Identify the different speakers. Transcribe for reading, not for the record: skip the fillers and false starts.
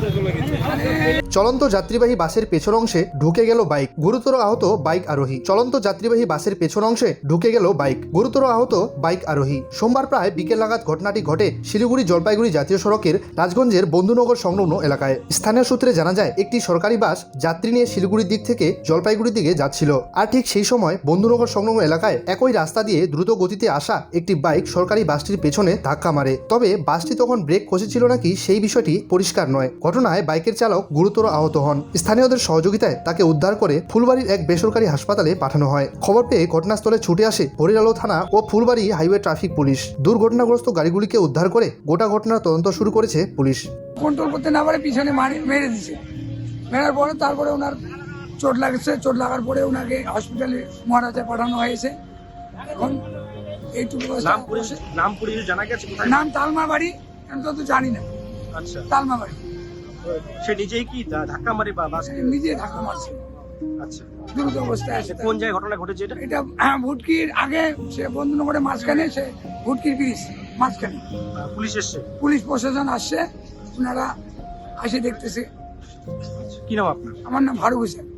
Speaker 1: চলন্ত যাত্রীবাহী বাসের পেছন অংশে ঢুকে গেল বাইক, গুরুতর আহত বাইক আরোহী। চলন্ত যাত্রীবাহী বাসের পেছন অংশে ঢুকে গেল বাইক, গুরুতর আহত বাইক আরোহী। সোমবার প্রায় বিকেল নাগাদ ঘটনাটি ঘটে শিলিগুড়ি জলপাইগুড়ি জাতীয় সড়কের রাজগঞ্জের বন্ধুনগর সংলগ্ন এলাকায়। স্থানীয় সূত্রে জানা যায়, একটি সরকারি বাস যাত্রী নিয়ে শিলিগুড়ির দিক থেকে জলপাইগুড়ির দিকে যাচ্ছিল। আর ঠিক সেই সময় বন্ধুনগর সংলগ্ন এলাকায় একই রাস্তা দিয়ে দ্রুত গতিতে আসা একটি বাইক সরকারি বাসটির পেছনে ধাক্কা মারে। তবে বাসটি তখন ব্রেক কষেছিল নাকি সেই বিষয়টি পরিষ্কার নয়। ঘটনায় বাইকের চালক গুরুতর আহত হন। স্থানীয়দের সহযোগিতায় তাকে উদ্ধার করে ফুলবাড়ির এক বেসরকারি হাসপাতালে পাঠানো হয়। খবর পেয়ে ঘটনাস্থলে ছুটে আসে হরিলালো থানা ও ফুলবাড়ি হাইওয়ে ট্রাফিক পুলিশ। দুর্ঘটনাগ্রস্ত গাড়িগুলিকে উদ্ধার করে গোটা ঘটনার তদন্ত শুরু করেছে পুলিশ।
Speaker 2: কন্ট্রোল করতে না পারে পিছনে মেরে দিছে। মেরার পরে তারপরে ওনার চোট লাগছে। চোট লাগার পরে ওনাকে হসপিটালে মহারাজা পাঠানো হয়েছে। এখন এইটুকু
Speaker 3: নাম পুলিশ জানা গেছে কোথায়?
Speaker 2: নাম তালমা বাড়ি, আমি তো জানি না।
Speaker 3: আচ্ছা,
Speaker 2: তালমা বাড়ি।
Speaker 3: সে নিজেই কি ধাক্কা মারে বা বাস?
Speaker 2: নিজে ধাক্কা মারছে।
Speaker 3: আচ্ছা,
Speaker 2: দ্রুত অবস্থায় আছে।
Speaker 3: কোন জায়গায় ঘটনা ঘটেছে এটা?
Speaker 2: এটা ভুটকির আগে, সে বন্ধুনগরের মাঝখানে, সে ভুটকির ব্রিজ মাঝখানে।
Speaker 3: পুলিশ এসছে?
Speaker 2: পুলিশ প্রশাসন আসছে, ওনারা আসে দেখতেছে।
Speaker 3: কি নাম আপনার?
Speaker 2: আমার নাম ফারুক হোসেন।